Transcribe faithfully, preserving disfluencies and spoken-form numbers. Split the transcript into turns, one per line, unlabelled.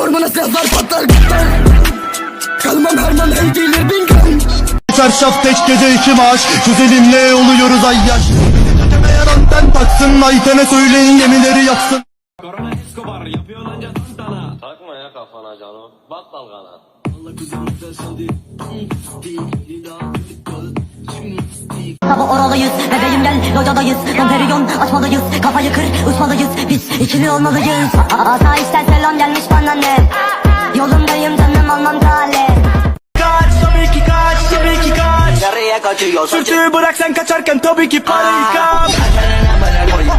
Ormana silahlar patlar patlar. Kalmam Herman hey gelir bin gram.
Çarşaf tek gece iki maaş. Güzelimle oluyoruz ay yaş. Teteme yaranten taksın. Ayten'e söyleyin gemileri yaksın.
Korona Escobar yapıyor lanca tantana.
Takma ya kafana canım. Bak dalgana.
Baba oralıyız, bebeğim gel, locadayız. Domperiyon açmalıyız, kafayı kır, uçmalıyız. Biz ikili olmalıyız. Asayişten selam gelmiş bana ne? Yolundayım canım almam tale.
Kaç tabii ki kaç, tabii ki kaç.
Nereye kaçıyorsun?
Sürtüğü bırak sen kaçarken tabii ki parayı kap.